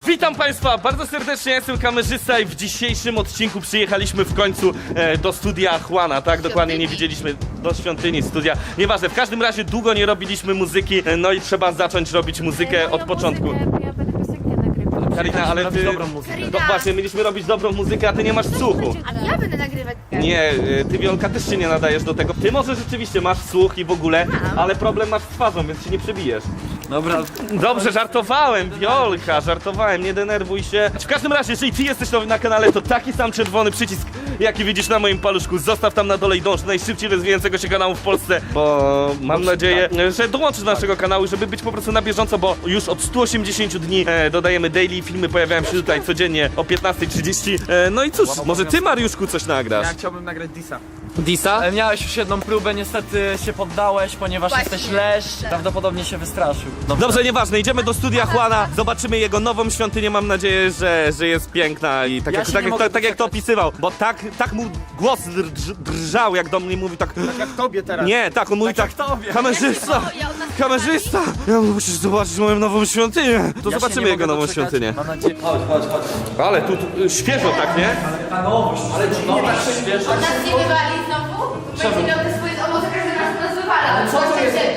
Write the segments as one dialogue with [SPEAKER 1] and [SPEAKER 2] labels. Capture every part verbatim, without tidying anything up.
[SPEAKER 1] Witam Państwa bardzo serdecznie, ja jestem kamerzysta i w dzisiejszym odcinku przyjechaliśmy w końcu e, do studia Juana, tak? Dokładnie nie widzieliśmy, do świątyni studia. Nieważne, w każdym razie długo nie robiliśmy muzyki, e, no i trzeba zacząć robić muzykę od początku.
[SPEAKER 2] Ja będę piosenkę nagrywać.
[SPEAKER 1] Karina, ale ty...
[SPEAKER 3] dobrą muzykę.
[SPEAKER 1] No właśnie, mieliśmy robić dobrą muzykę, a ty nie masz słuchu.
[SPEAKER 2] A ja będę nagrywać.
[SPEAKER 1] Nie, e, ty Wiolka też się nie nadajesz do tego. Ty może rzeczywiście masz słuch i w ogóle, ale problem masz z twarzą, więc się nie przebijesz.
[SPEAKER 3] Dobra,
[SPEAKER 1] Dobrze, żartowałem, Wiolka, żartowałem, nie denerwuj się. W każdym razie, jeżeli ty jesteś nowy na kanale, to taki sam czerwony przycisk, jaki widzisz na moim paluszku, zostaw tam na dole i dąż do najszybciej rozwijającego się kanału w Polsce, bo mam nadzieję, że dołączysz do naszego kanału, żeby być po prostu na bieżąco, bo już od stu osiemdziesięciu dni e, dodajemy daily, filmy pojawiają się tutaj codziennie o piętnastej trzydzieści. E, no i cóż, może ty, Mariuszku, coś nagrasz?
[SPEAKER 3] ja chciałbym nagrać Disa.
[SPEAKER 1] Disa?
[SPEAKER 3] Ale miałeś już jedną próbę, niestety się poddałeś, ponieważ
[SPEAKER 2] Właśnie.
[SPEAKER 3] jesteś leszcz. Prawdopodobnie się wystraszył. Dobrze.
[SPEAKER 1] Dobrze, nieważne, idziemy do studia Juana, zobaczymy jego nową świątynię, mam nadzieję, że, że jest piękna i tak,
[SPEAKER 3] Ja
[SPEAKER 1] jak,
[SPEAKER 3] się
[SPEAKER 1] tak,
[SPEAKER 3] nie
[SPEAKER 1] jak,
[SPEAKER 3] mogę
[SPEAKER 1] tak, tak jak to
[SPEAKER 3] doczekać.
[SPEAKER 1] opisywał, bo tak, tak mu głos drż, drżał, jak do mnie mówi, tak...
[SPEAKER 4] Tak jak tobie teraz.
[SPEAKER 1] Nie, tak, on mówi tak,
[SPEAKER 3] jak tobie.
[SPEAKER 1] kamerzysta, kamerzysta, ja musisz zobaczyć moją nową świątynię, to
[SPEAKER 3] Ja się
[SPEAKER 1] zobaczymy
[SPEAKER 3] nie
[SPEAKER 1] jego
[SPEAKER 3] mogę
[SPEAKER 1] nową
[SPEAKER 3] doczekać.
[SPEAKER 1] świątynię.
[SPEAKER 3] Mam nadzieję. Chodź, chodź, chodź.
[SPEAKER 1] Ale tu, tu świeżo, tak, nie?
[SPEAKER 3] Ta nowość, ale ci nie tak świeżo.
[SPEAKER 2] On nas nie wywali znowu? Będzie miał te swoje owoce, każdy raz nas wywala. Co to jest?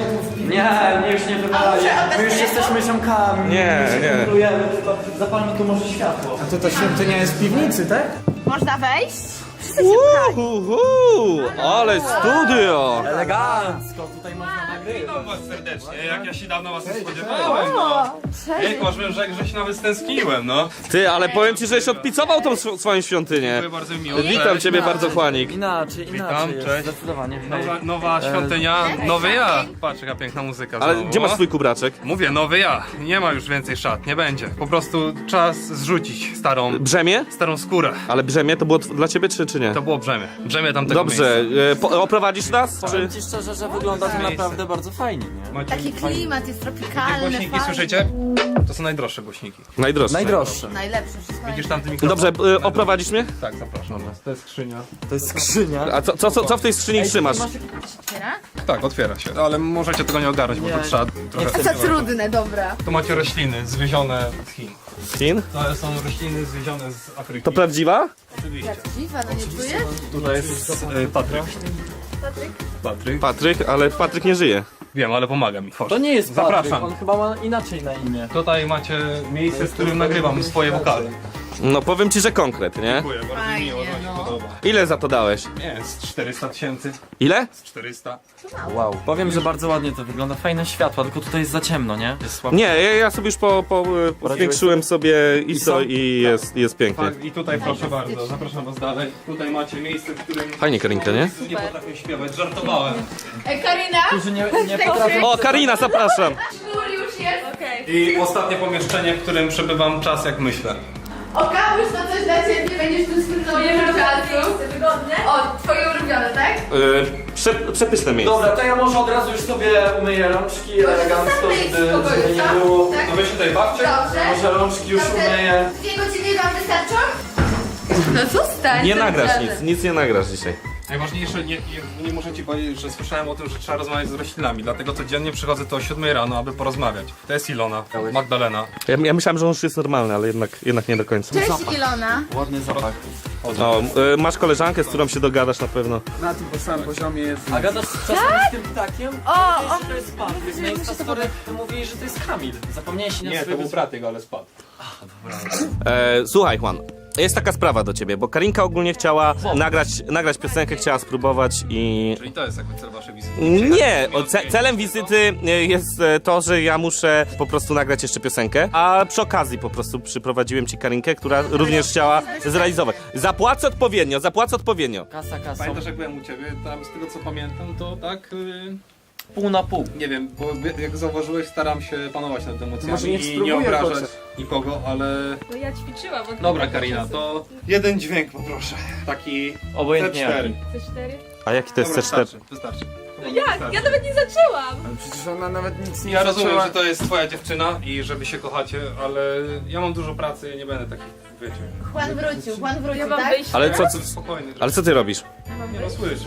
[SPEAKER 3] Nie, mnie już nie wywalali. My już jesteśmy ziomkami.
[SPEAKER 1] Nie,
[SPEAKER 3] my się
[SPEAKER 1] nie.
[SPEAKER 3] kumplujemy, tylko zapalmy tu może światło.
[SPEAKER 4] A to ta świątynia jest w piwnicy, tak?
[SPEAKER 2] Można wejść?
[SPEAKER 1] Uhuhu, ale studio!
[SPEAKER 3] Elegancko, tutaj można nagrywać.
[SPEAKER 5] Witam was serdecznie, jak ja się dawno was nie spodziewałem, no. Jejku, aż bym rzekł, że się nawet stęskniłem, no.
[SPEAKER 1] Ty, ale powiem ci, żeś odpicował tą sw- swoją świątynię.
[SPEAKER 5] Dziękuję bardzo mi miło.
[SPEAKER 1] Witam
[SPEAKER 5] Cześć.
[SPEAKER 1] ciebie bardzo, Chłanik.
[SPEAKER 3] Inaczej, inaczej jest,
[SPEAKER 5] cześć.
[SPEAKER 3] zdecydowanie.
[SPEAKER 5] Nowa, nowa świątynia, nowy ja. Patrz, jaka piękna muzyka
[SPEAKER 1] Ale
[SPEAKER 5] znowu.
[SPEAKER 1] gdzie masz swój kubraczek?
[SPEAKER 5] Mówię, nowy ja. Nie ma już więcej szat, nie będzie. Po prostu czas zrzucić starą,
[SPEAKER 1] Brzemię?
[SPEAKER 5] starą skórę.
[SPEAKER 1] Ale brzemię to było tw- dla ciebie, czy, czy nie?
[SPEAKER 5] To było brzemię. Brzemię tamtego
[SPEAKER 1] Dobrze,
[SPEAKER 5] miejsca.
[SPEAKER 1] e, po, oprowadzisz nas? Czy...
[SPEAKER 3] Powiem ci szczerze, że wygląda to naprawdę bardzo fajnie, nie?
[SPEAKER 5] Macie
[SPEAKER 2] Taki klimat jest tropikalny,
[SPEAKER 5] głośniki,
[SPEAKER 2] fajny.
[SPEAKER 5] słyszycie? To są najdroższe głośniki.
[SPEAKER 1] Najdroższe.
[SPEAKER 3] Najdroższe.
[SPEAKER 2] Najlepsze wszystko.
[SPEAKER 5] Widzisz tamty mikrofon?
[SPEAKER 1] Dobrze, e, oprowadzisz mnie?
[SPEAKER 5] Tak, zapraszam was. To jest skrzynia.
[SPEAKER 3] To jest skrzynia.
[SPEAKER 1] A co, co, co, co w tej skrzyni trzymasz?
[SPEAKER 2] Otwiera?
[SPEAKER 5] Tak, otwiera się. Ale możecie tego nie ogarnąć, bo
[SPEAKER 3] Nie,
[SPEAKER 5] to trzeba trochę...
[SPEAKER 2] Co trudne, dobra.
[SPEAKER 5] Tu macie rośliny zwiezione z Chin.
[SPEAKER 1] Chin?
[SPEAKER 5] To są rośliny zwiezione z Afryki.
[SPEAKER 1] To prawdziwa?
[SPEAKER 5] Oczywiście.
[SPEAKER 2] Dziwa, no nie czujesz?
[SPEAKER 5] Tutaj jest e, Patryk.
[SPEAKER 2] Patryk?
[SPEAKER 5] Patryk.
[SPEAKER 1] Patryk, ale Patryk nie żyje.
[SPEAKER 5] Wiem, ale pomaga mi. Chodź.
[SPEAKER 3] To nie jest Patryk,
[SPEAKER 5] Zapraszam.
[SPEAKER 3] on chyba ma inaczej na imię.
[SPEAKER 5] Tutaj macie miejsce, w którym nagrywam swoje wokale.
[SPEAKER 1] No powiem ci, że konkret, nie?
[SPEAKER 5] Dziękuję, bardzo
[SPEAKER 2] Fajnie,
[SPEAKER 5] miło, to mi
[SPEAKER 2] no.
[SPEAKER 5] się podoba.
[SPEAKER 1] Ile za to dałeś?
[SPEAKER 5] Nie, z czterysta tysięcy.
[SPEAKER 1] Ile?
[SPEAKER 5] Z czterysta.
[SPEAKER 3] Wow. Powiem, że bardzo ładnie to wygląda, fajne światła, tylko tutaj jest za ciemno, nie? Jest słabo.
[SPEAKER 1] Nie, ja, ja sobie już po, po, po zwiększyłem sobie I S O i jest, jest pięknie.
[SPEAKER 5] Tak, i tutaj proszę bardzo, zapraszam was dalej. Tutaj macie miejsce, w którym...
[SPEAKER 1] Fajnie, Karinka, nie?
[SPEAKER 5] Nie potrafię śpiewać, żartowałem.
[SPEAKER 2] Ej, Karina?
[SPEAKER 3] Którzy nie, nie potrafią...
[SPEAKER 1] O, Karina, zapraszam!
[SPEAKER 2] Sznur już jest. Okej.
[SPEAKER 5] I ostatnie pomieszczenie, w którym przebywam czas, jak myślę.
[SPEAKER 2] O, Kamuś, to coś dla ciebie, będziesz tu spędzał dużo czasu. Wygodne? O, twoje ulubione, tak?
[SPEAKER 1] Yy, prze, przepyszne miejsce.
[SPEAKER 3] Dobra, to ja może od razu już sobie umyję rączki elegancko,
[SPEAKER 2] Zostań
[SPEAKER 3] żeby,
[SPEAKER 2] w spokoju,
[SPEAKER 3] żeby nie
[SPEAKER 2] co?
[SPEAKER 3] było.
[SPEAKER 2] Tak?
[SPEAKER 5] No wy się tutaj bawcie.
[SPEAKER 2] Dobrze.
[SPEAKER 3] Może rączki już
[SPEAKER 2] Dobrze.
[SPEAKER 3] umyję.
[SPEAKER 2] Dwie godziny wam wystarczą? No zostań.
[SPEAKER 1] Nie
[SPEAKER 2] tym
[SPEAKER 1] nagrasz
[SPEAKER 2] razem.
[SPEAKER 1] nic, nic nie nagrasz dzisiaj.
[SPEAKER 5] Najważniejsze, nie, nie, nie muszę ci powiedzieć, że słyszałem o tym, że trzeba rozmawiać z roślinami, dlatego codziennie przychodzę tu o siódmej rano, aby porozmawiać. To jest Ilona, Magdalena.
[SPEAKER 1] Ja, ja myślałem, że on już jest normalny, ale jednak, jednak nie do końca.
[SPEAKER 2] Cześć Ilona.
[SPEAKER 3] Ładny zapach.
[SPEAKER 1] O, y, masz koleżankę, z którą się dogadasz na pewno.
[SPEAKER 4] Na tym samym poziomie jest.
[SPEAKER 3] A gadasz czasem z tym ptakiem?
[SPEAKER 2] O,
[SPEAKER 3] Mówisz, że to jest Patryk. Na Instastory mówili, że to jest Kamil. Zapomniałeś się
[SPEAKER 5] Nie, to był brat jego, ale spadł.
[SPEAKER 1] E, słuchaj, Juan. Jest taka sprawa do ciebie, bo Karinka ogólnie chciała nagrać, nagrać piosenkę, chciała spróbować i...
[SPEAKER 5] Czyli to jest jakby cel waszej wizyty.
[SPEAKER 1] Nie, o, ce celem wizyty e, jest e, to, że ja muszę po prostu nagrać jeszcze piosenkę, a przy okazji po prostu przyprowadziłem ci Karinkę, która również chciała zrealizować. Zapłacę odpowiednio, zapłacę odpowiednio.
[SPEAKER 3] Kasa, kasa.
[SPEAKER 5] Pamiętasz jak byłem u ciebie, tam z tego co pamiętam, to tak... Yy...
[SPEAKER 3] Pół na pół.
[SPEAKER 5] Nie wiem, bo jak zauważyłeś, staram się panować nad emocjami
[SPEAKER 4] Może niech
[SPEAKER 5] i nie
[SPEAKER 4] spróbuję
[SPEAKER 5] obrażać
[SPEAKER 4] chociaż.
[SPEAKER 5] nikogo, ale...
[SPEAKER 6] No ja ćwiczyłam od
[SPEAKER 5] Dobra Karina, to jeden dźwięk poproszę. Taki
[SPEAKER 3] Obojętnie
[SPEAKER 5] C cztery.
[SPEAKER 3] jaki.
[SPEAKER 6] C cztery.
[SPEAKER 1] A jaki to jest
[SPEAKER 5] Dobra,
[SPEAKER 1] C cztery?
[SPEAKER 5] wystarczy, wystarczy.
[SPEAKER 6] No jak? Ja nawet nie zaczęłam!
[SPEAKER 4] Ale przecież ona nawet nic nie
[SPEAKER 5] Ja rozumiem,
[SPEAKER 4] zaczęła.
[SPEAKER 5] że to jest twoja dziewczyna i że wy się kochacie, ale ja mam dużo pracy i nie będę takich, wiecie...
[SPEAKER 2] Juan wrócił, Juan wrócił,
[SPEAKER 6] Ja mam
[SPEAKER 2] tak?
[SPEAKER 6] wyjść.
[SPEAKER 1] Ale co, co,
[SPEAKER 5] Spokojny.
[SPEAKER 1] ale co ty robisz?
[SPEAKER 5] Nie no, słyszysz, no, no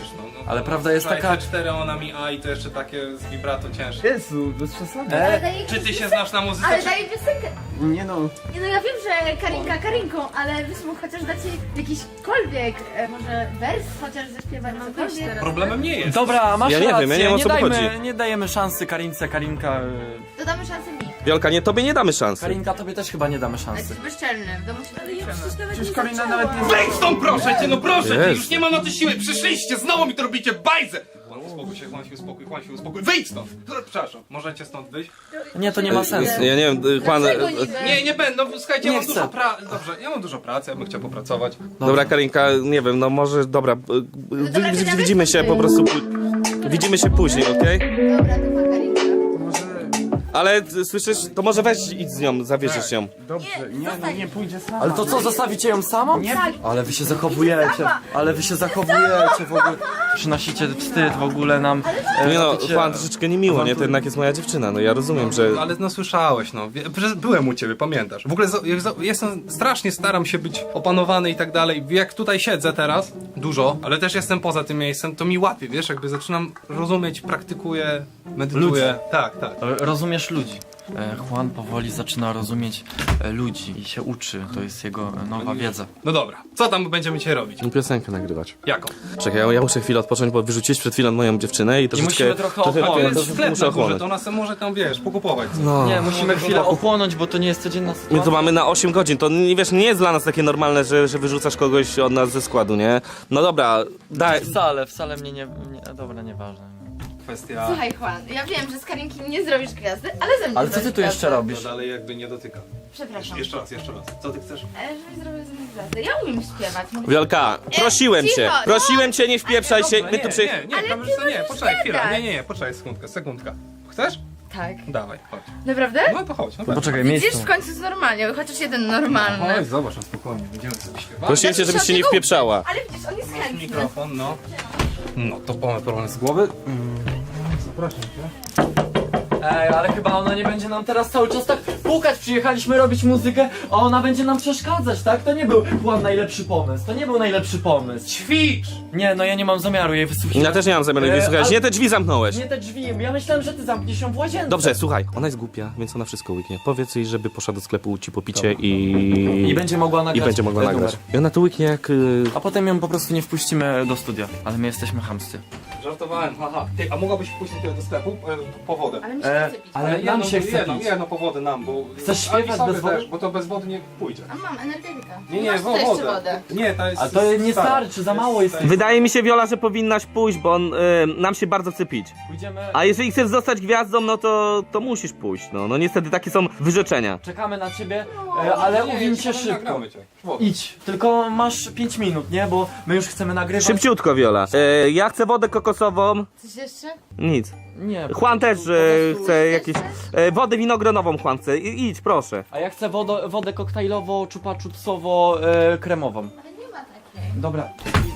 [SPEAKER 3] Ale prawda jest taka...
[SPEAKER 5] cztery ona mi A i to jeszcze takie z vibrato cięższe.
[SPEAKER 4] Jezu, bez przesady.
[SPEAKER 2] Ale daje
[SPEAKER 5] Czy ty się znasz na muzyce?
[SPEAKER 2] Ale
[SPEAKER 5] czy...
[SPEAKER 2] daje piosenkę.
[SPEAKER 4] Nie no.
[SPEAKER 2] Nie no, ja wiem, że Karinka Karinką, ale byś mógł chociaż dać jej jakiśkolwiek, e, może wers chociaż zaśpiewać, cokolwiek.
[SPEAKER 5] Problemem nie jest.
[SPEAKER 3] Dobra, masz
[SPEAKER 1] Ja nie wiem,
[SPEAKER 3] rację,
[SPEAKER 1] ja nie wiem, o co
[SPEAKER 3] dajmy,
[SPEAKER 1] chodzi.
[SPEAKER 3] nie dajemy szansy Karince, Karinka... y,
[SPEAKER 2] To damy szansę mi.
[SPEAKER 1] Wiolka, nie, tobie nie damy szansy.
[SPEAKER 3] Karinka, tobie też chyba nie damy
[SPEAKER 2] Ale
[SPEAKER 3] szansy.
[SPEAKER 2] jesteś bezczelny, w domu się ale ja
[SPEAKER 4] Przecież Karina nawet nie...
[SPEAKER 5] Wejdź stąd proszę cię, no proszę cię,
[SPEAKER 1] Jest.
[SPEAKER 5] już nie mam na to siły, przyszliście, znowu mi to robicie bajzę! Juan, uspokój się, Juan się uspokój, Juan się uspokój, wyjdź stąd! Przepraszam, możecie stąd wyjść?
[SPEAKER 3] Nie, to nie ma sensu.
[SPEAKER 1] Ja nie wiem, y, Juan...
[SPEAKER 2] Dlaczego
[SPEAKER 1] y,
[SPEAKER 2] niby?
[SPEAKER 5] Nie, nie będę, no, słuchajcie,
[SPEAKER 3] Nie
[SPEAKER 5] ja mam
[SPEAKER 3] chcę.
[SPEAKER 5] dużo pracy, dobrze, ja mam dużo pracy, ja bym chciał popracować.
[SPEAKER 1] Dobra, Karinka, nie wiem, no może, dobra, y, y,
[SPEAKER 2] dobra,
[SPEAKER 1] wi- wi-
[SPEAKER 2] to
[SPEAKER 1] widzimy się po prostu... pu- Widzimy się później, okej?
[SPEAKER 2] Dobra, to ma Karinka.
[SPEAKER 4] Może...
[SPEAKER 1] Ale y, słyszysz, to może weź idź z nią, zawierzysz ją.
[SPEAKER 4] Dobrze, nie, no nie pójdzie sama.
[SPEAKER 3] Ale to co, zostawicie ją samą?
[SPEAKER 4] Nie.
[SPEAKER 3] Ale wy się zachowujecie, ale wy się zachowujecie w ogóle. Przynosicie wstyd w ogóle nam. e,
[SPEAKER 1] Nie no,
[SPEAKER 3] robicie-
[SPEAKER 1] Juan, troszeczkę niemiło, nie? To jednak jest moja dziewczyna, no ja rozumiem, że...
[SPEAKER 5] Ale no słyszałeś, no, wie- przecież byłem u ciebie, pamiętasz. W ogóle za- ja za- jestem, strasznie staram się być opanowany i tak dalej. Jak tutaj siedzę teraz, dużo, ale też jestem poza tym miejscem, to mi łapie, wiesz, jakby zaczynam rozumieć, praktykuję, medytuję. Tak, tak.
[SPEAKER 3] R- Rozumiesz ludzi. E, Juan powoli zaczyna rozumieć e, ludzi i się uczy. To jest jego e, nowa wiedza.
[SPEAKER 5] No dobra, co tam będziemy dzisiaj robić?
[SPEAKER 1] Piosenkę nagrywać.
[SPEAKER 5] Jaką?
[SPEAKER 1] Czekaj, ja, ja muszę chwilę odpocząć, bo wyrzuciłeś przed chwilą moją dziewczynę i troszeczkę...
[SPEAKER 3] musimy trochę
[SPEAKER 5] A to
[SPEAKER 3] ochłonąć.
[SPEAKER 5] jest
[SPEAKER 1] troszeczkę
[SPEAKER 5] sklep
[SPEAKER 1] muszę
[SPEAKER 5] na górze,
[SPEAKER 1] ochłonąć.
[SPEAKER 5] to ona sobie może tam, wiesz, pokupować.
[SPEAKER 1] No.
[SPEAKER 3] Nie, musimy chwilę ochłonąć, bo to nie jest codzienna sytuacja.
[SPEAKER 1] My to mamy na osiem godzin, to nie wiesz, nie jest dla nas takie normalne, że, że wyrzucasz kogoś od nas ze składu, nie? No dobra, daj...
[SPEAKER 3] Wcale, wcale mnie nie... nie dobra, nieważne.
[SPEAKER 5] Kwestia...
[SPEAKER 2] Słuchaj Juan, ja wiem, że z Karinki nie zrobisz gwiazdy, ale ze mnie
[SPEAKER 3] Ale co ty
[SPEAKER 2] zrobisz
[SPEAKER 3] tu jeszcze
[SPEAKER 2] gwiazdę.
[SPEAKER 3] robisz?
[SPEAKER 5] No dalej jakby nie dotyka.
[SPEAKER 2] Przepraszam.
[SPEAKER 5] Jeszcze raz, jeszcze raz. Co ty chcesz?
[SPEAKER 2] E, żebyś zrobił ze mnie gwiazdę. Ja umiem śpiewać. Mówię.
[SPEAKER 1] Wiolka, prosiłem
[SPEAKER 2] cicho,
[SPEAKER 1] cię,
[SPEAKER 2] no.
[SPEAKER 1] prosiłem cię, nie wpieprzaj się, my tu przy...
[SPEAKER 5] Nie, nie,
[SPEAKER 2] Ale
[SPEAKER 5] kamerzysta,
[SPEAKER 2] ty
[SPEAKER 5] nie,
[SPEAKER 2] możesz
[SPEAKER 5] poczekaj chwilę,
[SPEAKER 2] gadać.
[SPEAKER 5] nie, nie, nie, poczekaj sekundkę, sekundka. Chcesz?
[SPEAKER 2] Tak.
[SPEAKER 5] Dawaj, chodź.
[SPEAKER 2] Naprawdę?
[SPEAKER 5] No to chodź, no tak.
[SPEAKER 3] Poczekaj,
[SPEAKER 2] Widzisz,
[SPEAKER 3] miejsce.
[SPEAKER 2] w końcu jest normalnie, chociaż jeden normalny.
[SPEAKER 5] Chodź, zobacz, na spokojnie, będziemy sobie śpiewać.
[SPEAKER 1] Prosiłem cię, żebyś się nie wpieprzała.
[SPEAKER 2] Ale widzisz, on jest chętny.
[SPEAKER 5] Mikrofon, no. No, to mamy problem z głowy. Zapraszam cię.
[SPEAKER 3] Ej, ale chyba ona nie będzie nam teraz cały czas tak pukać. Przyjechaliśmy robić muzykę, a ona będzie nam przeszkadzać, tak? To nie był Juan najlepszy pomysł. To nie był najlepszy pomysł.
[SPEAKER 5] Ćwicz!
[SPEAKER 3] Nie, no ja nie mam zamiaru jej wysłuchać.
[SPEAKER 1] Ja też nie mam zamiaru jej
[SPEAKER 3] E,
[SPEAKER 1] słuchać,
[SPEAKER 3] ale-
[SPEAKER 1] nie te drzwi zamknąłeś.
[SPEAKER 3] Nie te drzwi, ja myślałem, że ty zamkniesz ją w łazience.
[SPEAKER 1] Dobrze, słuchaj, ona jest głupia, więc ona wszystko łyknie. Powiedz jej, żeby poszła do sklepu ci po picie i...
[SPEAKER 3] I będzie mogła
[SPEAKER 1] I
[SPEAKER 3] nagrać.
[SPEAKER 1] będzie mogła
[SPEAKER 3] ten
[SPEAKER 1] nagrać.
[SPEAKER 3] numer.
[SPEAKER 1] I ona to łyknie jak... y,
[SPEAKER 3] A potem ją po prostu nie wpuścimy do studia. Ale my jesteśmy chamscy.
[SPEAKER 5] Żartowałem, haha. Ty, a mogłabyś pójść do sklepu e, po wodę?
[SPEAKER 2] Ale mi się
[SPEAKER 3] E,
[SPEAKER 2] chce pić.
[SPEAKER 3] ale nam
[SPEAKER 5] jedną,
[SPEAKER 3] się chce
[SPEAKER 5] jedną,
[SPEAKER 3] pić.
[SPEAKER 5] jedną po wodę nam, bo...
[SPEAKER 3] Chcesz
[SPEAKER 5] ale i
[SPEAKER 3] śpiewać
[SPEAKER 5] sobie
[SPEAKER 3] bez wody?
[SPEAKER 5] też, bo to bez wody nie pójdzie.
[SPEAKER 2] A mam energetyka.
[SPEAKER 5] Nie, nie,
[SPEAKER 2] Masz
[SPEAKER 5] wo-
[SPEAKER 2] jeszcze
[SPEAKER 5] wodę.
[SPEAKER 2] wodę.
[SPEAKER 5] Nie, to jest...
[SPEAKER 3] A to nie
[SPEAKER 5] stara.
[SPEAKER 3] starczy, za mało jest.
[SPEAKER 1] Wydaje mi się, Wiola, że powinnaś pójść, bo on, y, nam się bardzo chce pić.
[SPEAKER 3] Pójdziemy.
[SPEAKER 1] A jeżeli chcesz zostać gwiazdą, no to, to musisz pójść, no. No niestety takie są wyrzeczenia.
[SPEAKER 3] Czekamy na ciebie, e, ale
[SPEAKER 5] Nie,
[SPEAKER 3] uwiń się
[SPEAKER 5] jeszcze
[SPEAKER 3] szybko.
[SPEAKER 5] nagramy cię. Wodę.
[SPEAKER 3] Idź, tylko masz pięć minut, nie? Bo my już chcemy nagrywać.
[SPEAKER 1] Szybciutko, Wiola. E, ja chcę wodę kokosową.
[SPEAKER 2] Coś jeszcze?
[SPEAKER 1] Nic.
[SPEAKER 3] Nie. po
[SPEAKER 1] Juan też
[SPEAKER 3] prostu-
[SPEAKER 1] e,
[SPEAKER 3] po prostu-
[SPEAKER 1] chce jakieś... E, wodę winogronową Juan chce. I, idź, proszę.
[SPEAKER 3] A ja chcę wodę, wodę koktajlowo, czupa-czupsowo, e, kremową.
[SPEAKER 2] Ale nie ma takiej.
[SPEAKER 3] Dobra.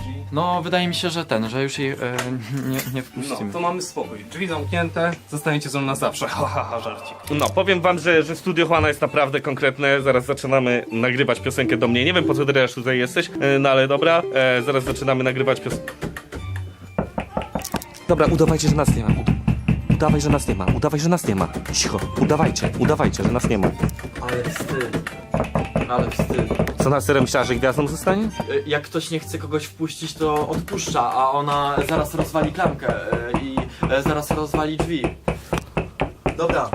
[SPEAKER 3] No, wydaje mi się, że ten, że już jej e, nie, nie wpuścimy.
[SPEAKER 5] No, to mamy spokój. Drzwi zamknięte, zostaniecie ze mną na zawsze. Ha, ha, ha, żarcik.
[SPEAKER 1] No, powiem wam, że, że studio Juana jest naprawdę konkretne. Zaraz zaczynamy nagrywać piosenkę do mnie. Nie wiem, po co ty też tutaj jesteś, e, no ale dobra. E, zaraz zaczynamy nagrywać piosenkę. Dobra, udawajcie, że nas nie ma. Udawaj, że nas nie ma. Udawaj, że nas nie ma. Cicho. Udawajcie, udawajcie, że nas nie ma.
[SPEAKER 3] Ale wstyd. Ale wstyd.
[SPEAKER 1] Co na serio myślała, że gwiazdą zostanie?
[SPEAKER 3] E, Jak ktoś nie chce kogoś wpuścić, to odpuszcza, a ona zaraz rozwali klamkę e, i e, zaraz rozwali drzwi. Dobra.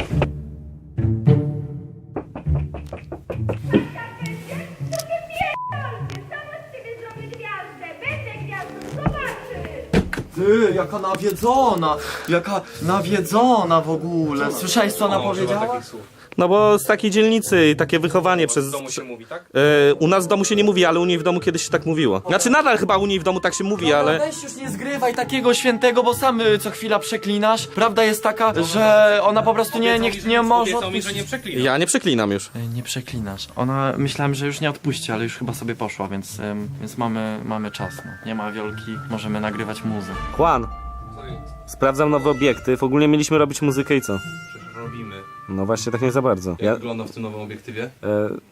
[SPEAKER 3] Ty, jaka nawiedzona! Jaka nawiedzona w ogóle! Słyszałeś, co ona
[SPEAKER 5] O, używa
[SPEAKER 3] powiedziała?
[SPEAKER 5] takich słów.
[SPEAKER 1] No bo z takiej dzielnicy i takie wychowanie przez...
[SPEAKER 5] W domu się mówi, tak?
[SPEAKER 1] E, u nas w domu się nie mówi, ale u niej w domu kiedyś się tak mówiło. Znaczy nadal chyba u niej w domu tak się mówi,
[SPEAKER 3] No,
[SPEAKER 1] ale...
[SPEAKER 3] weź już nie zgrywaj takiego świętego, bo sam y, co chwila przeklinasz. Prawda jest taka, że ona po prostu nie, nie,
[SPEAKER 5] Obiecał mi, że-
[SPEAKER 3] nie może
[SPEAKER 5] Obiecał mi, że nie
[SPEAKER 3] odpuścić.
[SPEAKER 5] przeklina.
[SPEAKER 1] Ja nie przeklinam już.
[SPEAKER 3] Ej, Nie przeklinasz. Ona, myślałem, że już nie odpuści, ale już chyba sobie poszła, więc, ym, więc mamy, mamy czas. No. Nie ma wiolki, możemy nagrywać muzy.
[SPEAKER 1] Juan,
[SPEAKER 5] Co jest?
[SPEAKER 1] sprawdzam nowy obiektyw. Ogólnie mieliśmy robić muzykę i co?
[SPEAKER 5] Przecież robimy.
[SPEAKER 1] No właśnie tak nie za bardzo.
[SPEAKER 5] Jak
[SPEAKER 1] Ja...
[SPEAKER 5] wygląda w tym nowym obiektywie?
[SPEAKER 1] E,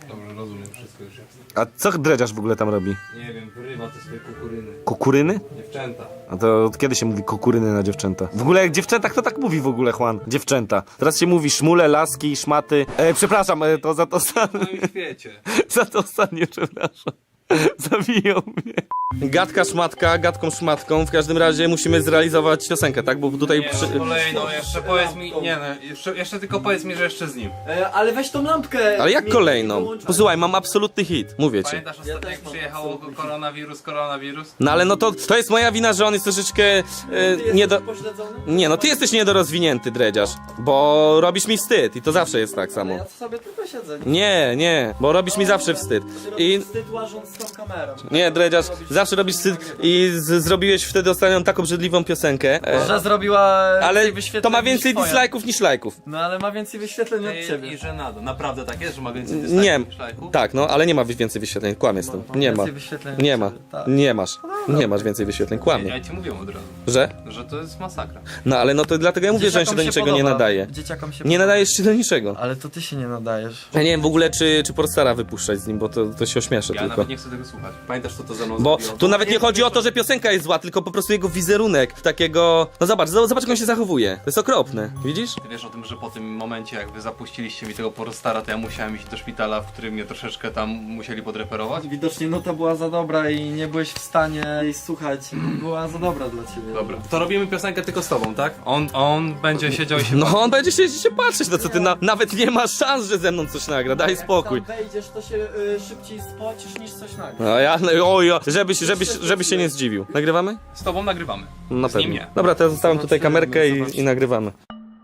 [SPEAKER 5] Dobrze, rozumiem, wszystko już jest.
[SPEAKER 1] A co dredziarz w ogóle tam robi?
[SPEAKER 5] Nie wiem, wyrywa te swoje kukuryny.
[SPEAKER 1] Kukuryny?
[SPEAKER 5] Dziewczęta.
[SPEAKER 1] A to od kiedy się mówi kukuryny na dziewczęta? W ogóle jak dziewczęta, kto tak mówi w ogóle, Juan? Dziewczęta. Teraz się mówi szmule, laski, szmaty. E, przepraszam, e, to za to ostatnie.
[SPEAKER 5] No już wiecie.
[SPEAKER 1] Za to ostatnie, przepraszam. Zabiją mnie. Gadka szmatka, gadką szmatką. W każdym razie musimy zrealizować piosenkę, tak? Bo tutaj
[SPEAKER 5] Nie,
[SPEAKER 1] przy...
[SPEAKER 5] no, kolejną, jeszcze powiedz mi, nie no, jeszcze, jeszcze tylko powiedz mi, że jeszcze z nim.
[SPEAKER 3] E, ale weź tą lampkę.
[SPEAKER 1] Ale jak
[SPEAKER 3] mi-
[SPEAKER 1] kolejną?
[SPEAKER 3] wyłączaj.
[SPEAKER 1] Posłuchaj, mam absolutny hit, mówię ci.
[SPEAKER 5] Pamiętasz ostatnio, jak przyjechało koronawirus, koronawirus?
[SPEAKER 1] No ale no to, to jest moja wina, że on jest troszeczkę e,
[SPEAKER 3] Ty
[SPEAKER 1] nie do...
[SPEAKER 3] jesteś pośledzony?
[SPEAKER 1] Nie, no ty jesteś niedorozwinięty, dredziarz. Bo robisz mi wstyd i to zawsze jest tak samo.
[SPEAKER 3] Ja sobie tylko siedzę.
[SPEAKER 1] Nie, nie, bo robisz mi zawsze wstyd.
[SPEAKER 3] I...
[SPEAKER 1] I...
[SPEAKER 3] Wstyd łażąc z tą kamerą.
[SPEAKER 1] Nie, dredziarz, zawsze robisz wstyd i z, zrobiłeś wtedy ostatnią taką brzydliwą piosenkę. E,
[SPEAKER 3] Że zrobiła
[SPEAKER 1] ale
[SPEAKER 3] więcej wyświetleń
[SPEAKER 1] to ma
[SPEAKER 3] niż
[SPEAKER 1] więcej
[SPEAKER 3] twoja.
[SPEAKER 1] dislike'ów niż lajków.
[SPEAKER 3] No ale ma więcej wyświetleń od ciebie.
[SPEAKER 5] I że nada. Naprawdę tak jest, że ma więcej
[SPEAKER 1] Nie,
[SPEAKER 5] niż lajków?
[SPEAKER 1] tak, no, ale nie ma więcej wyświetleń, kłamie z tym. Nie ma.
[SPEAKER 3] Więcej wyświetleń
[SPEAKER 1] Nie
[SPEAKER 3] od
[SPEAKER 1] ma.
[SPEAKER 3] ciebie, tak.
[SPEAKER 1] Nie masz. Nie masz więcej wyświetleń, kłamie.
[SPEAKER 5] Ja ci mówiłem od razu,
[SPEAKER 1] Że?
[SPEAKER 5] że to jest masakra.
[SPEAKER 1] No ale no to dlatego ja mówię, że on się
[SPEAKER 3] Dzieciakom
[SPEAKER 1] do niczego nie
[SPEAKER 3] podoba.
[SPEAKER 1] nadaje.
[SPEAKER 3] Dzieciakom się
[SPEAKER 1] Nie
[SPEAKER 3] podoba.
[SPEAKER 1] nadajesz się do niczego.
[SPEAKER 3] Ale to ty się nie nadajesz.
[SPEAKER 1] Ja nie wiem w ogóle, czy, czy Porstara wypuszczać z nim, bo to, to się ośmieszę
[SPEAKER 5] Ja
[SPEAKER 1] tylko.
[SPEAKER 5] nawet nie chcę tego słuchać. Pamiętasz, co to ze mną
[SPEAKER 1] Bo
[SPEAKER 5] zrobiło?
[SPEAKER 1] tu nawet nie chodzi o to, że piosenka jest zła, tylko po prostu jego wizerunek takiego... No zobacz, zobacz jak on się zachowuje. To jest okropne, widzisz?
[SPEAKER 5] Ty wiesz o tym, że po tym momencie, jak wy zapuściliście mi tego Porostara, to ja musiałem iść do szpitala, w którym mnie troszeczkę tam musieli podreperować?
[SPEAKER 3] Widocznie nuta była za dobra i nie byłeś w stanie jej słuchać. Była za dobra dla ciebie.
[SPEAKER 5] Dobra. To robimy piosenkę tylko z tobą, tak? On, on będzie siedział i się
[SPEAKER 1] No on będzie siedzieć się patrzeć, no co ty, na, nawet nie ma szans, że ze mną coś nagra, daj spokój.
[SPEAKER 3] Jak tam wejdziesz, to się y, szybciej spocisz niż coś nagle.
[SPEAKER 1] No ja, no, oj, żebyś, żebyś, żebyś się nie zdziwił. Nagrywamy?
[SPEAKER 5] Z tobą nagrywamy.
[SPEAKER 1] No na
[SPEAKER 5] Z nim
[SPEAKER 1] pewno.
[SPEAKER 5] nie.
[SPEAKER 1] Dobra, teraz zostawiam tutaj kamerkę i, i nagrywamy.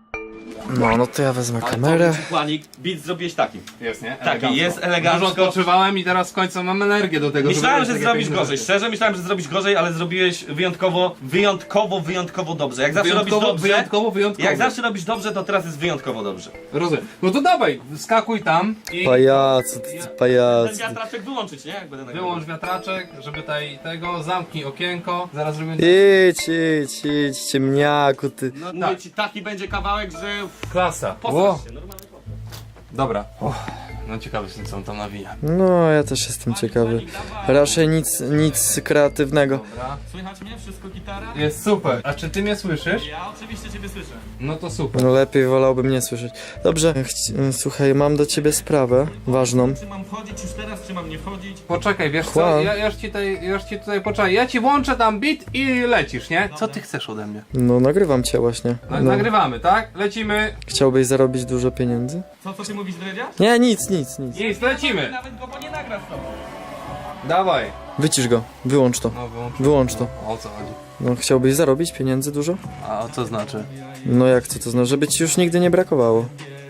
[SPEAKER 3] No, no to ja wezmę kamerę.
[SPEAKER 1] Planik, beat zrobiłeś taki.
[SPEAKER 5] Jest, nie?
[SPEAKER 1] Taki, jest elegancko.
[SPEAKER 5] Dużo odpoczywałem i teraz w końcu mam energię do tego,
[SPEAKER 1] Myślałem,
[SPEAKER 5] żeby
[SPEAKER 1] że
[SPEAKER 5] takie
[SPEAKER 1] zrobisz
[SPEAKER 5] piękne
[SPEAKER 1] gorzej.
[SPEAKER 5] rzeczy.
[SPEAKER 1] Szczerze myślałem, że zrobisz gorzej, ale zrobiłeś wyjątkowo, wyjątkowo, wyjątkowo dobrze. Jak zawsze
[SPEAKER 5] Wyjątkowo,
[SPEAKER 1] robisz dobrze.
[SPEAKER 5] wyjątkowo, wyjątkowo.
[SPEAKER 1] Jak zawsze robisz dobrze, to teraz jest wyjątkowo dobrze.
[SPEAKER 5] Rozumiem. No to dawaj, skakuj tam i
[SPEAKER 3] Pajacu, ty,
[SPEAKER 1] Ten
[SPEAKER 3] pajacu.
[SPEAKER 1] wiatraczek wyłączyć, nie? Jak będę nagrywał.
[SPEAKER 5] wyłącz wiatraczek, żeby tutaj tego, zamknij okienko, zaraz zrobimy...
[SPEAKER 3] Idź, idź, idź, ciemniaku, ty.
[SPEAKER 1] No mówię ci, taki będzie kawałek, że
[SPEAKER 5] Klasa.
[SPEAKER 1] popatrz się, normalny popatrz.
[SPEAKER 5] Dobra. No ciekawy jestem, co on tam nawija.
[SPEAKER 3] No, ja też jestem ciekawy. Raczej nic, nic kreatywnego.
[SPEAKER 5] Dobra.
[SPEAKER 1] Słychać mnie? Wszystko gitara?
[SPEAKER 5] Jest super. A czy ty mnie słyszysz?
[SPEAKER 1] Ja oczywiście ciebie słyszę.
[SPEAKER 5] No to super.
[SPEAKER 3] No lepiej wolałbym nie słyszeć. Dobrze, chci- słuchaj, mam do ciebie sprawę ważną.
[SPEAKER 1] Czy mam wchodzić już teraz, czy mam nie wchodzić?
[SPEAKER 5] Poczekaj, wiesz co,
[SPEAKER 3] Juan.
[SPEAKER 5] ja, ja już ci tutaj, ja już ci tutaj poczekaj, ja ci włączę tam beat i lecisz, nie? Co ty chcesz ode mnie?
[SPEAKER 3] No, nagrywam cię właśnie.
[SPEAKER 5] No,
[SPEAKER 3] No.
[SPEAKER 5] Nagrywamy, tak? Lecimy.
[SPEAKER 3] Chciałbyś zarobić dużo pieniędzy?
[SPEAKER 1] Co, co ty mówisz, dredziarz?
[SPEAKER 3] Nie, nic, nic, nic.
[SPEAKER 5] Nic, lecimy.
[SPEAKER 1] Nawet go bo nie nagra z tobą.
[SPEAKER 5] Dawaj.
[SPEAKER 3] Wycisz go, wyłącz to.
[SPEAKER 5] No wyłącz.
[SPEAKER 3] Wyłącz to.
[SPEAKER 5] O co chodzi?
[SPEAKER 3] No, chciałbyś zarobić pieniędzy dużo?
[SPEAKER 5] A co znaczy?
[SPEAKER 3] No jak co to znaczy? Żeby ci już nigdy nie brakowało.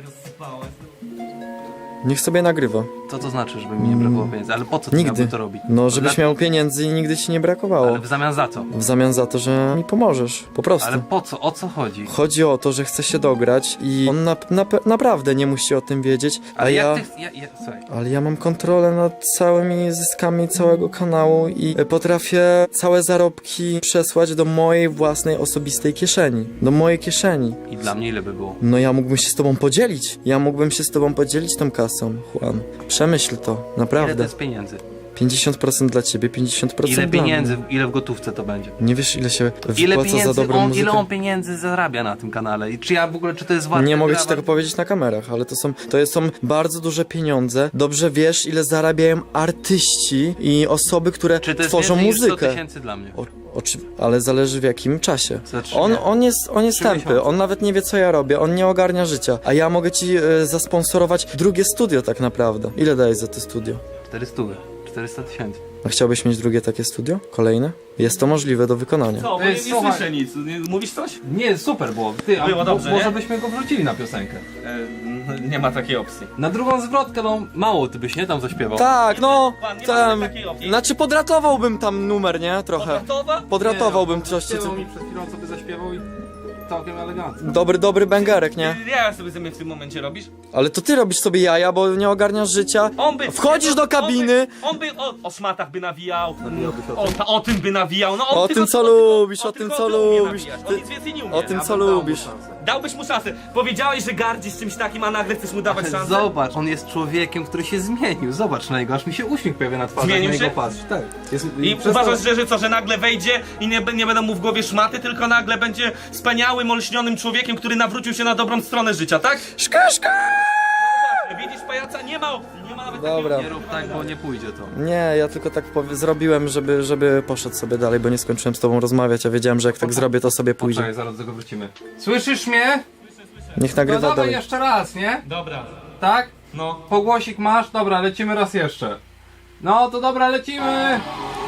[SPEAKER 3] Niech sobie nagrywa.
[SPEAKER 5] Co to znaczy, żeby mi nie brakowało pieniędzy? Ale po co ty
[SPEAKER 3] Nigdy.
[SPEAKER 5] miałby to robić?
[SPEAKER 3] No, żebyś
[SPEAKER 5] Dla-
[SPEAKER 3] miał pieniędzy i nigdy ci nie brakowało.
[SPEAKER 5] Ale w zamian za co?
[SPEAKER 3] W zamian za to, że mi pomożesz. Po prostu.
[SPEAKER 5] Ale po co? O co chodzi?
[SPEAKER 3] Chodzi o to, że chce się dograć i on na, na, naprawdę nie musi o tym wiedzieć, a
[SPEAKER 5] Ale
[SPEAKER 3] ja...
[SPEAKER 5] jak ty... Ja, ja, słuchaj.
[SPEAKER 3] Ale ja mam kontrolę nad całymi zyskami całego kanału i potrafię całe zarobki przesłać do mojej własnej osobistej kieszeni. Do mojej kieszeni.
[SPEAKER 5] I dla mnie ile by było?
[SPEAKER 3] No ja mógłbym się z tobą podzielić. Ja mógłbym się z tobą podzielić tą kasą, Juan. Przemyśl to,
[SPEAKER 5] Ile to
[SPEAKER 3] naprawdę.
[SPEAKER 5] jest pieniędzy?
[SPEAKER 3] pięćdziesiąt procent dla ciebie, pięćdziesiąt procent
[SPEAKER 5] Ile
[SPEAKER 3] dla
[SPEAKER 5] pieniędzy,
[SPEAKER 3] mnie.
[SPEAKER 5] ile w gotówce to będzie?
[SPEAKER 3] Nie wiesz, ile się
[SPEAKER 5] Ile
[SPEAKER 3] wypłaca za
[SPEAKER 5] pieniędzy
[SPEAKER 3] dobrą
[SPEAKER 5] on,
[SPEAKER 3] muzykę?
[SPEAKER 5] ile on pieniędzy zarabia na tym kanale? I czy ja w ogóle, czy to jest warte?
[SPEAKER 3] Nie mogę ci
[SPEAKER 5] dla-
[SPEAKER 3] tego powiedzieć na kamerach, ale to są, to są bardzo duże pieniądze. Dobrze wiesz, ile zarabiają artyści i osoby, które
[SPEAKER 5] Czy to jest
[SPEAKER 3] tworzą
[SPEAKER 5] więcej niż sto
[SPEAKER 3] muzykę.
[SPEAKER 5] tysięcy dla mnie?
[SPEAKER 3] O, oczy... Ale zależy w jakim czasie.
[SPEAKER 5] Za trzy
[SPEAKER 3] On,
[SPEAKER 5] miesiące.
[SPEAKER 3] on jest, on jest
[SPEAKER 5] Trzy
[SPEAKER 3] tępy,
[SPEAKER 5] miesiące.
[SPEAKER 3] on nawet nie wie co ja robię, on nie ogarnia życia. A ja mogę ci e, zasponsorować drugie studio tak naprawdę. Ile dajesz za to studio?
[SPEAKER 5] czterysta, czterysta tysięcy.
[SPEAKER 3] A chciałbyś mieć drugie takie studio? Kolejne? Jest to możliwe do wykonania.
[SPEAKER 1] Co, bo
[SPEAKER 5] Ej,
[SPEAKER 1] nie, nie
[SPEAKER 5] słuchaj.
[SPEAKER 1] słyszę nic. Nie, mówisz coś?
[SPEAKER 5] Nie, super było. Ty, a
[SPEAKER 1] Było
[SPEAKER 5] mo-
[SPEAKER 1] dobrze,
[SPEAKER 5] może
[SPEAKER 1] nie?
[SPEAKER 5] byśmy go wrzucili na piosenkę.
[SPEAKER 1] E, nie ma takiej opcji.
[SPEAKER 5] Na drugą zwrotkę, no mało ty byś nie tam zaśpiewał.
[SPEAKER 3] Tak, no,
[SPEAKER 1] Pan, nie
[SPEAKER 3] tam,
[SPEAKER 1] mamy takiej opcji.
[SPEAKER 3] znaczy podratowałbym tam numer, nie? Trochę.
[SPEAKER 1] Podratowa?
[SPEAKER 3] Podratowałbym coś,
[SPEAKER 5] Zaśpiewał
[SPEAKER 3] co...
[SPEAKER 5] mi przed chwilą, co by zaśpiewał i całkiem elegancko.
[SPEAKER 3] Dobry, dobry bęgerek, nie?
[SPEAKER 1] Ja sobie ze mnie w tym momencie robisz?
[SPEAKER 3] Ale to ty robisz sobie jaja, bo nie ogarniasz życia.
[SPEAKER 1] On by...
[SPEAKER 3] Wchodzisz do kabiny.
[SPEAKER 1] On by, on by o, o szmatach by nawijał. O, ta, o tym by nawijał. No, on
[SPEAKER 3] O
[SPEAKER 1] tylko-
[SPEAKER 3] tym, co
[SPEAKER 1] on tylko-
[SPEAKER 3] lubisz,
[SPEAKER 1] on
[SPEAKER 3] o tym,
[SPEAKER 1] tylko
[SPEAKER 3] co
[SPEAKER 1] umie
[SPEAKER 3] lubisz.
[SPEAKER 1] nawijać.
[SPEAKER 3] Ty-
[SPEAKER 1] On nic więcej nie umie.
[SPEAKER 3] O tym,
[SPEAKER 5] Ja
[SPEAKER 3] co
[SPEAKER 5] bym dał mu
[SPEAKER 3] lubisz.
[SPEAKER 5] szansę.
[SPEAKER 1] Dałbyś mu szansę. Powiedziałeś, że gardzisz czymś takim, a nagle chcesz mu dawać
[SPEAKER 5] Ale
[SPEAKER 1] szansę?
[SPEAKER 5] zobacz, on jest człowiekiem, który się zmienił. Zobacz na niego, aż mi się uśmiech pojawia na twarzy.
[SPEAKER 1] Zmienił
[SPEAKER 5] jak na
[SPEAKER 1] się?
[SPEAKER 5] niego patrz. Tak. Jest,
[SPEAKER 1] I
[SPEAKER 5] przez
[SPEAKER 1] uważasz,
[SPEAKER 5] to-
[SPEAKER 1] że, że co, że nagle wejdzie i nie, nie będą mu w głowie szmaty, tylko nagle będzie wspaniałym, olśnionym człowiekiem, który nawrócił się na dobrą stronę życia, tak?
[SPEAKER 3] Szkaszka!
[SPEAKER 1] Widzisz pajaca? Nie ma opcji, nie ma nawet
[SPEAKER 3] Dobra.
[SPEAKER 1] takiego...
[SPEAKER 5] Nie rób tak, bo nie pójdzie to.
[SPEAKER 3] Nie, ja tylko tak powie- zrobiłem, żeby, żeby poszedł sobie dalej, bo nie skończyłem z tobą rozmawiać, a wiedziałem, że jak tak zrobię, to sobie pójdzie.
[SPEAKER 5] Poczekaj, zaraz do tego wrócimy. Słyszysz mnie?
[SPEAKER 3] Niech
[SPEAKER 5] No
[SPEAKER 3] nagrywa
[SPEAKER 5] dawaj
[SPEAKER 3] dalej.
[SPEAKER 5] jeszcze raz, nie?
[SPEAKER 1] Dobra,
[SPEAKER 5] Tak?
[SPEAKER 1] no.
[SPEAKER 5] Pogłosik masz? Dobra, lecimy raz jeszcze. No to dobra, lecimy!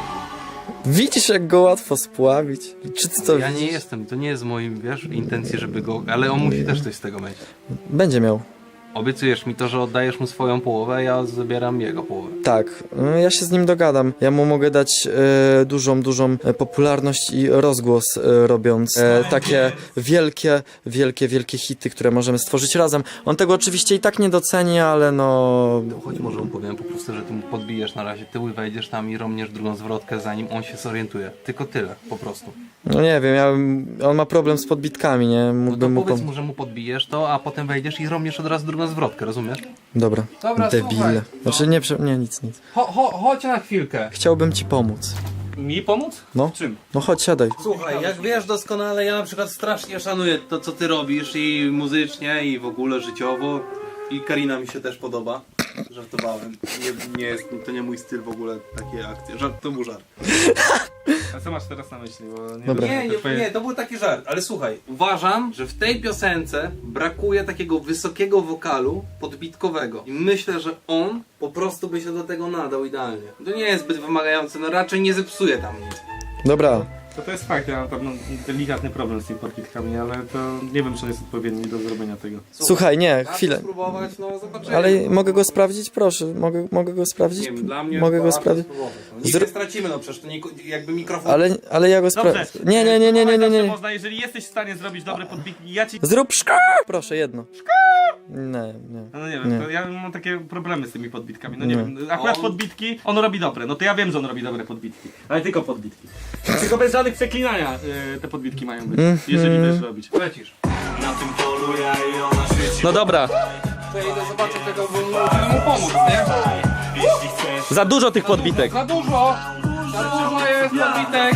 [SPEAKER 3] Widzisz, jak go łatwo spławić? Czy ty to
[SPEAKER 5] Ja nie
[SPEAKER 3] widzisz?
[SPEAKER 5] jestem, to nie jest moim, wiesz, intencji, żeby go... Ale on musi też coś z tego mieć.
[SPEAKER 3] Będzie miał.
[SPEAKER 5] Obiecujesz mi to, że oddajesz mu swoją połowę, a ja zabieram jego połowę.
[SPEAKER 3] Tak, no, ja się z nim dogadam. Ja mu mogę dać e, dużą, dużą e, popularność i rozgłos, e, robiąc e, takie wielkie, wielkie, wielkie hity, które możemy stworzyć razem. On tego oczywiście i tak nie doceni, ale no...
[SPEAKER 5] Choć może mu powiem po prostu, że ty mu podbijesz na razie tył i wejdziesz tam i romniesz drugą zwrotkę, zanim on się zorientuje. Tylko tyle, po prostu.
[SPEAKER 3] No nie wiem, ja, on ma problem z podbitkami, nie?
[SPEAKER 5] No to
[SPEAKER 3] Mógłbym mu
[SPEAKER 5] powiedz
[SPEAKER 3] pom...
[SPEAKER 5] mu, że mu podbijesz to, a potem wejdziesz i romniesz od razu drugą zwrotkę, rozumiesz?
[SPEAKER 3] Dobra,
[SPEAKER 5] Dobra,
[SPEAKER 3] debile.
[SPEAKER 5] słuchaj.
[SPEAKER 3] Znaczy nie, prze- nie, nic, nic.
[SPEAKER 5] Cho, cho, chodź na chwilkę.
[SPEAKER 3] Chciałbym ci pomóc.
[SPEAKER 1] Mi pomóc?
[SPEAKER 3] No.
[SPEAKER 1] W czym?
[SPEAKER 3] No chodź, siadaj.
[SPEAKER 5] Słuchaj, jak wiesz doskonale, ja na przykład strasznie szanuję to, co ty robisz i muzycznie, i w ogóle życiowo. I Karina mi się też podoba. Żartowałem. Nie, nie jest, to nie mój styl w ogóle, takie akcje. Żart, to był żart.
[SPEAKER 1] A co masz teraz na myśli? Bo nie
[SPEAKER 3] Dobra.
[SPEAKER 1] wiem,
[SPEAKER 5] Nie,
[SPEAKER 1] te
[SPEAKER 5] nie,
[SPEAKER 1] twoje-
[SPEAKER 5] nie, to był taki żart, ale słuchaj, uważam, że w tej piosence brakuje takiego wysokiego wokalu podbitkowego i myślę, że on po prostu by się do tego nadał idealnie. To nie jest zbyt wymagające, no raczej nie zepsuje tam nic.
[SPEAKER 3] Dobra.
[SPEAKER 1] To, to jest fakt, ja mam tam no, delikatny problem z tymi podbitkami, ale to nie wiem, czy on jest odpowiedni do zrobienia tego.
[SPEAKER 3] Słuchaj, nie,
[SPEAKER 5] Warto
[SPEAKER 3] chwilę.
[SPEAKER 5] spróbować, no zobaczymy.
[SPEAKER 3] Ale mogę go sprawdzić? Proszę, mogę, mogę go sprawdzić?
[SPEAKER 5] Nie wiem, dla mnie
[SPEAKER 3] Mogę go
[SPEAKER 5] warto
[SPEAKER 3] sprawdzić?
[SPEAKER 5] spróbować. No, nic
[SPEAKER 3] Zro-
[SPEAKER 5] nie stracimy, no przecież to nie, jakby mikrofon...
[SPEAKER 3] Ale, ale ja go sprawdzę.
[SPEAKER 1] Dobrze.
[SPEAKER 3] Nie, nie, nie, nie, nie, nie,
[SPEAKER 1] Zawsze
[SPEAKER 3] nie.
[SPEAKER 1] Można, jeżeli jesteś w stanie zrobić dobre podbitki, ja ci...
[SPEAKER 3] Zrób szka! Proszę, jedno. Nie, nie.
[SPEAKER 1] No nie wiem,
[SPEAKER 3] Nie.
[SPEAKER 1] to ja mam takie problemy z tymi podbitkami, no nie,
[SPEAKER 3] Nie.
[SPEAKER 1] wiem, akurat
[SPEAKER 5] On-
[SPEAKER 1] podbitki, on robi dobre, no to ja wiem, że on robi dobre podbitki, ale tylko podbitki. Tylko bez żadnych przeklinania y, te podbitki mają być,
[SPEAKER 3] Mhm.
[SPEAKER 1] jeżeli wiesz robić.
[SPEAKER 5] Lecisz.
[SPEAKER 1] No dobra,
[SPEAKER 5] To ja idę zobaczyć tego, bo musimy mu pomóc, nie?
[SPEAKER 1] za dużo tych podbitek.
[SPEAKER 5] Za dużo! Za dużo jest podbitek!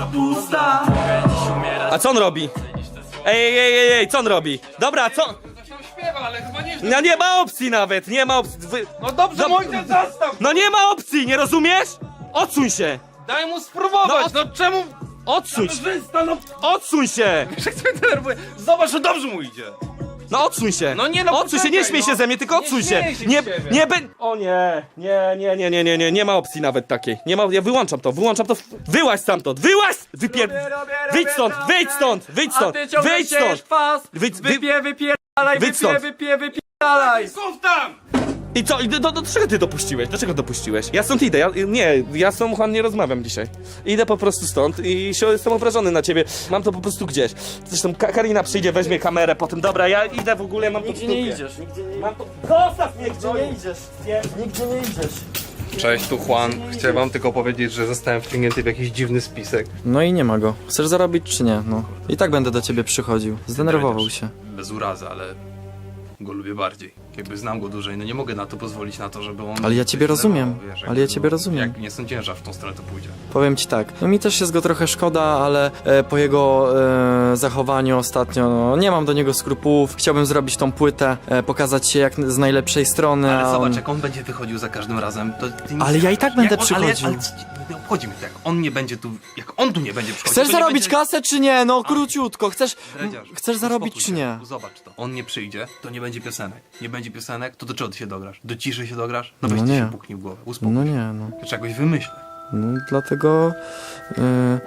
[SPEAKER 1] A co on robi? Ej, ej, ej, ej, ej, co on robi? Dobra, co?
[SPEAKER 5] To się śpiewa, ale chyba nie...
[SPEAKER 1] No nie ma opcji nawet, nie ma opcji. Wy...
[SPEAKER 5] No dobrze,
[SPEAKER 1] Dob-
[SPEAKER 5] mój ten zastaw!
[SPEAKER 1] No nie ma opcji, nie rozumiesz? Odsuń się!
[SPEAKER 5] Daj mu spróbować,
[SPEAKER 1] No,
[SPEAKER 5] no, czemu...
[SPEAKER 1] Odsuń się!
[SPEAKER 5] Kamerzysta, no
[SPEAKER 1] Odsuń się!
[SPEAKER 5] jak mnie denerwuje. Zobacz, że dobrze mu idzie.
[SPEAKER 1] No odsuń się!
[SPEAKER 5] No nie, no
[SPEAKER 1] odsuń się, nie
[SPEAKER 5] poczekaj,
[SPEAKER 1] śmiej się
[SPEAKER 5] no.
[SPEAKER 1] ze mnie, tylko
[SPEAKER 5] Nie
[SPEAKER 1] odsuń się!
[SPEAKER 5] śmieję się
[SPEAKER 1] Nie,
[SPEAKER 5] z ciebie.
[SPEAKER 1] nie, be... O nie, nie, nie, nie, nie, nie, nie, nie ma opcji nawet takiej. Nie ma, ja wyłączam to, wyłączam to. Wyłaź stamtąd, wyłaź! Wypier... Wyjdź stąd, wyjdź stąd, wyjdź stąd, wyjdź stąd!
[SPEAKER 3] kwas!
[SPEAKER 1] Wyjdź, wy...
[SPEAKER 3] wypierdalaj,
[SPEAKER 1] Wyjdź stąd.
[SPEAKER 3] wypie, wypierdalaj!
[SPEAKER 5] Słów tam!
[SPEAKER 1] I co, i do, do, do czego ty dopuściłeś? Dlaczego dopuściłeś? Ja stąd idę, ja, nie, ja z tą Juan nie rozmawiam dzisiaj. Idę po prostu stąd i się, jestem obrażony na ciebie. Mam to po prostu gdzieś. Zresztą Ka Karina przyjdzie, weźmie kamerę potem. Dobra, ja idę w ogóle, mam to w
[SPEAKER 3] Nigdzie nie
[SPEAKER 1] dupie.
[SPEAKER 3] idziesz, nigdzie nie
[SPEAKER 1] Mam to... Zostaw mnie, gdzie
[SPEAKER 3] nie idziesz.
[SPEAKER 1] Nie.
[SPEAKER 3] Nigdzie nie idziesz.
[SPEAKER 5] Cześć, tu Juan. Chcę wam tylko powiedzieć, że zostałem wciągnięty w jakiś dziwny spisek.
[SPEAKER 3] No i nie ma go. Chcesz zarobić czy nie? No. I tak będę do ciebie przychodził. Zdenerwował się.
[SPEAKER 5] Bez urazy, ale go lubię bardziej. Jakby znam go dłużej, no nie mogę na to pozwolić, na to, żeby on...
[SPEAKER 3] Ale ja ciebie
[SPEAKER 5] się
[SPEAKER 3] rozumiem.
[SPEAKER 5] zdenerwował, wiesz,
[SPEAKER 3] Ale
[SPEAKER 5] jakby,
[SPEAKER 3] ja ciebie
[SPEAKER 5] no,
[SPEAKER 3] rozumiem.
[SPEAKER 5] Jak nie sądziłem, że w tą stronę to pójdzie.
[SPEAKER 3] Powiem ci tak, no mi też jest go trochę szkoda, ale e, po jego e, zachowaniu ostatnio, no, nie mam do niego skrupułów. Chciałbym zrobić tą płytę, e, pokazać się jak z najlepszej strony.
[SPEAKER 5] Ale
[SPEAKER 3] a
[SPEAKER 5] zobacz,
[SPEAKER 3] on...
[SPEAKER 5] jak on będzie wychodził za każdym razem, to ty nic...
[SPEAKER 3] Ale ja i tak będę
[SPEAKER 5] jak on, ale,
[SPEAKER 3] przychodził.
[SPEAKER 5] ale, ale nie obchodzi mnie to, jak on nie będzie tu... Jak on tu nie będzie przychodził,
[SPEAKER 3] Chcesz
[SPEAKER 5] to nie
[SPEAKER 3] zarobić
[SPEAKER 5] będzie...
[SPEAKER 3] kasę czy nie? No króciutko, chcesz,
[SPEAKER 5] Dredziarz,
[SPEAKER 3] chcesz zarobić
[SPEAKER 5] uspokój
[SPEAKER 3] czy
[SPEAKER 5] się.
[SPEAKER 3] nie?
[SPEAKER 5] Zobacz to. On nie przyjdzie, to nie będzie piosenek. Nie będzie piosenek, to do czego ty się dograsz? Do ciszy się dograsz? No weź
[SPEAKER 3] No
[SPEAKER 5] ty
[SPEAKER 3] nie.
[SPEAKER 5] się puknij w głowę. Uspokój
[SPEAKER 3] No
[SPEAKER 5] się.
[SPEAKER 3] nie, no.
[SPEAKER 5] Ja czegoś wymyślę.
[SPEAKER 3] No dlatego... y,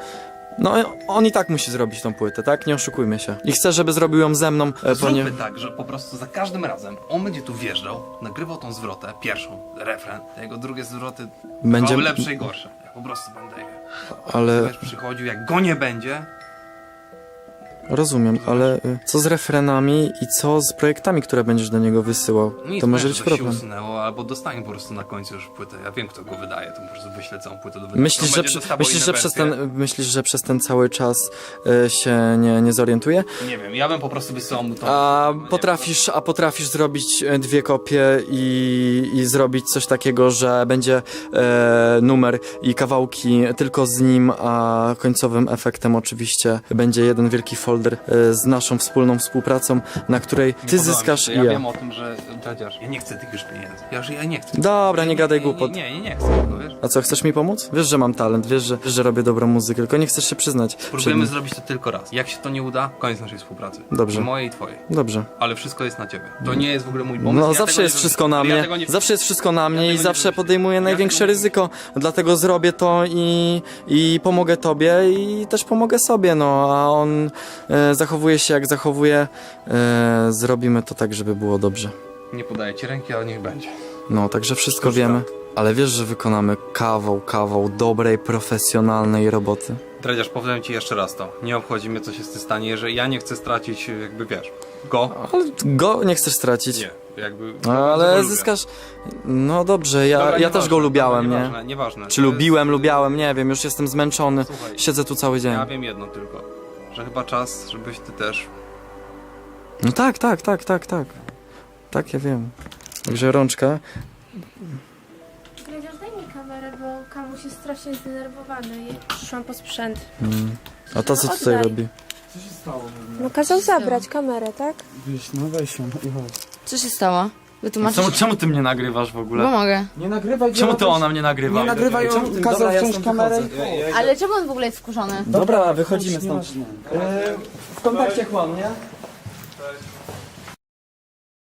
[SPEAKER 3] no on i tak musi zrobić tą płytę, tak? Nie oszukujmy się. I chcę, żeby zrobił ją ze mną, e,
[SPEAKER 5] Zróbmy
[SPEAKER 3] ponieważ...
[SPEAKER 5] tak, że po prostu za każdym razem on będzie tu wjeżdżał, nagrywał tą zwrotę, pierwszą, refren, a jego drugie zwroty
[SPEAKER 3] Będzie-
[SPEAKER 5] będzie lepsze i gorsze. Ja po prostu będę je.
[SPEAKER 3] Ale...
[SPEAKER 5] Będziesz przychodził, jak go nie będzie,
[SPEAKER 3] Rozumiem, ale y, co z refrenami i co z projektami, które będziesz do niego wysyłał?
[SPEAKER 5] Nic,
[SPEAKER 3] To może
[SPEAKER 5] nie,
[SPEAKER 3] być
[SPEAKER 5] żeby się
[SPEAKER 3] problem.
[SPEAKER 5] usunęło, albo dostanie po prostu na końcu już płytę. Ja wiem, kto go wydaje, to po prostu wyślę całą płytę do wydania.
[SPEAKER 3] Myślisz,
[SPEAKER 5] On
[SPEAKER 3] że,
[SPEAKER 5] będzie
[SPEAKER 3] przy,
[SPEAKER 5] dostawał
[SPEAKER 3] myślisz,
[SPEAKER 5] inne
[SPEAKER 3] że przez
[SPEAKER 5] wersje.
[SPEAKER 3] ten, myślisz, że przez ten cały czas y, się nie, nie zorientuje?
[SPEAKER 5] Nie wiem, ja bym po prostu wysyłał mu to.
[SPEAKER 3] A
[SPEAKER 5] No nie
[SPEAKER 3] potrafisz, a potrafisz zrobić e, dwie kopie i, i zrobić coś takiego, że będzie e, numer i kawałki tylko z nim, a końcowym efektem oczywiście będzie jeden wielki folder e, z naszą wspólną współpracą, na której
[SPEAKER 5] Nie
[SPEAKER 3] ty
[SPEAKER 5] podoba mi
[SPEAKER 3] zyskasz
[SPEAKER 5] się
[SPEAKER 3] i
[SPEAKER 5] to. Ja
[SPEAKER 3] ja.
[SPEAKER 5] wiem o tym, że Dredziarz, ja nie chcę tych już pieniędzy. Ja, że ja nie chcę.
[SPEAKER 3] Dobra, nie gadaj głupot.
[SPEAKER 5] Nie, nie, nie chcę tego, wiesz?
[SPEAKER 3] A co, chcesz mi pomóc? Wiesz, że mam talent, wiesz, że, wiesz, że robię dobrą muzykę, tylko nie chcesz się przyznać. przed
[SPEAKER 5] Próbujemy
[SPEAKER 3] nim.
[SPEAKER 5] zrobić to tylko raz. Jak się to nie uda, koniec naszej współpracy.
[SPEAKER 3] Dobrze.
[SPEAKER 5] Mojej i twojej.
[SPEAKER 3] Dobrze.
[SPEAKER 5] Ale wszystko jest na ciebie. To nie jest w ogóle mój pomysł.
[SPEAKER 3] No
[SPEAKER 5] ja
[SPEAKER 3] zawsze
[SPEAKER 5] tego
[SPEAKER 3] jest
[SPEAKER 5] nie
[SPEAKER 3] wszystko
[SPEAKER 5] wymyśliłem.
[SPEAKER 3] na
[SPEAKER 5] Ja
[SPEAKER 3] mnie,
[SPEAKER 5] tego nie
[SPEAKER 3] zawsze jest wszystko na mnie
[SPEAKER 5] tego
[SPEAKER 3] i
[SPEAKER 5] nie
[SPEAKER 3] zawsze
[SPEAKER 5] wymyśliłem.
[SPEAKER 3] podejmuję
[SPEAKER 5] Ja
[SPEAKER 3] największe
[SPEAKER 5] tego nie
[SPEAKER 3] ryzyko, dlatego zrobię to i, i pomogę tobie i też pomogę sobie, no a on e, zachowuje się jak zachowuje, e, zrobimy to tak, żeby było dobrze.
[SPEAKER 5] Nie podaję ci ręki, ale niech będzie.
[SPEAKER 3] No, także wszystko
[SPEAKER 5] Sztuczka.
[SPEAKER 3] wiemy, ale wiesz, że wykonamy kawał, kawał dobrej, profesjonalnej roboty.
[SPEAKER 5] Dredziarz, powiem ci jeszcze raz to. Nie obchodzi mnie, co się z tym stanie, że ja nie chcę stracić, jakby wiesz, go.
[SPEAKER 3] Ale go nie chcesz stracić.
[SPEAKER 5] Nie, jakby...
[SPEAKER 3] No,
[SPEAKER 5] bardzo go
[SPEAKER 3] ale
[SPEAKER 5] lubię.
[SPEAKER 3] zyskasz. No dobrze, ja,
[SPEAKER 5] Dobra,
[SPEAKER 3] ja
[SPEAKER 5] nieważne,
[SPEAKER 3] też go lubiałem,
[SPEAKER 5] dobra,
[SPEAKER 3] nie?
[SPEAKER 5] Nieważne, nieważne.
[SPEAKER 3] Czy
[SPEAKER 5] To
[SPEAKER 3] lubiłem,
[SPEAKER 5] jest-
[SPEAKER 3] lubiałem, nie wiem, już jestem zmęczony.
[SPEAKER 5] Słuchaj,
[SPEAKER 3] Siedzę tu cały dzień.
[SPEAKER 5] ja wiem jedno tylko, że chyba czas, żebyś ty też...
[SPEAKER 3] No tak, tak, tak, tak, tak. Tak, ja wiem. Także rączka.
[SPEAKER 7] Dredziarz, daj mi kamerę, bo Kamuś jest strasznie zdenerwowany i przyszłam po sprzęt.
[SPEAKER 3] Mm. A to co
[SPEAKER 7] No,
[SPEAKER 3] tutaj
[SPEAKER 7] oddaj.
[SPEAKER 3] robi?
[SPEAKER 4] Co się stało?
[SPEAKER 7] No kazał zabrać kamerę, tak?
[SPEAKER 4] Wiesz, no weź ją i chodź.
[SPEAKER 8] Co się stało? Wytłumaczysz?
[SPEAKER 3] Czemu, czemu ty mnie nagrywasz w
[SPEAKER 8] Bo
[SPEAKER 3] ogóle?
[SPEAKER 8] mogę.
[SPEAKER 4] Nie nagrywaj
[SPEAKER 3] Czemu
[SPEAKER 4] go,
[SPEAKER 3] ty
[SPEAKER 4] weź-
[SPEAKER 3] ona mnie nagrywa?
[SPEAKER 4] Nie nagrywaj ją,
[SPEAKER 3] Czemu ty-
[SPEAKER 4] kazał
[SPEAKER 3] Dobra, ja
[SPEAKER 4] wziąć
[SPEAKER 3] stąd
[SPEAKER 4] kamerę
[SPEAKER 3] wychodzę.
[SPEAKER 4] i...
[SPEAKER 2] Ale czemu on w ogóle jest wkurzony?
[SPEAKER 3] Dobra, wychodzimy stąd.
[SPEAKER 4] Nieważne.
[SPEAKER 3] E, w kontakcie chłam, nie?
[SPEAKER 5] Cześć.